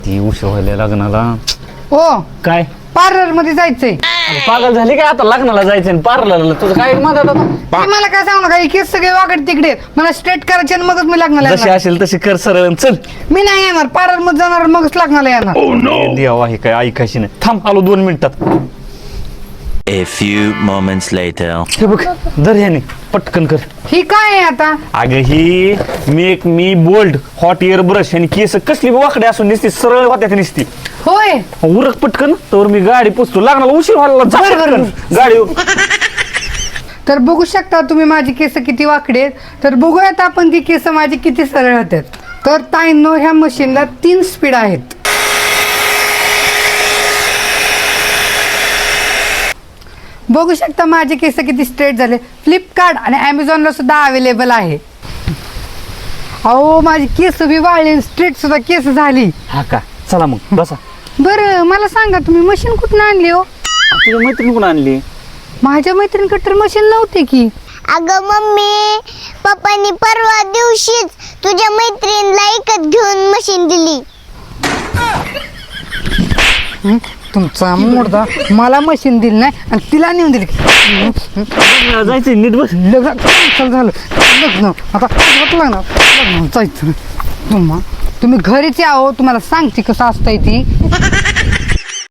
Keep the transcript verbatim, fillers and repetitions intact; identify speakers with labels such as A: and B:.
A: ती उशीर व्हायला लग्नाला.
B: ओ
A: काय
B: पार्लर मध्ये जायचंय.
A: पागल झाली काय आता लग्नाला जायचं पार्लरला तुझं काय मदत आता.
B: ते मला काय सांगू नका, केस सगळे वाकड तिकडे आहेत. मला स्ट्रेट करायचे आणि मगच मी लग्नाला
A: जशी
B: येणार.
A: असेल तशी कर सरळ चल.
B: मी नाही येणार, पार्लर मध्ये जाणार मगच लग्नाला येणार.
A: देवा आहे काय ऐकायची नाही. थांब आलो दोन मिनिटात.
C: A few moments later.
A: हे बघ धर ह्याने पटकन कर.
B: ही काय आहे आता?
A: अगं ही make me bold hot air brush आणि केस कसली वाकडे असून निसती सरळ होत्या निसती.
B: होय
A: उरक पटकन तर मी गाडी पोचतो. लागणार उशीर व्हायला जा
B: बरं, बरं.
A: पटकन. गाडी
B: तर बघू शकता तुम्ही माझी केस किती वाकडे आहेत. तर बघूयात आपण की केस माझी किती सरळ होतात. तर ताईंनो ह्या मशीनला तीन स्पीड आहेत. बघू शकता माझे केस किती स्ट्रेट झाले. फ्लिपकार्ट आणि ॲमेझॉनला सुद्धा अवेलेबल आहे. अहो माझी केस बी वाळली, स्ट्रेट सुद्धा केस झाली.
A: हा का चला मग बसा.
B: बरं मला सांगा तुम्ही मशीन कुठून आणली हो?
A: तुझी मैत्रीण कोण आणली?
B: माझ्या मैत्रिणीकडे तर मशीन नव्हते की.
D: अगं मम्मी, पप्पांनी परवा दिवशीच तुझ्या मैत्रिणीला एकच घेऊन मशीन दिली.
B: हं? तुमचा मुर्दा मला मशीन दिली नाही आणि तिला नेऊन दिली.
A: जायचं नीट बस.
B: लग्न cancel झालं. लग्न आता आजोबात लग्न लग्न जायचं. तुम्हा तुम्ही घरीच या हो, तुम्हाला सांगते कसं असतंय ती.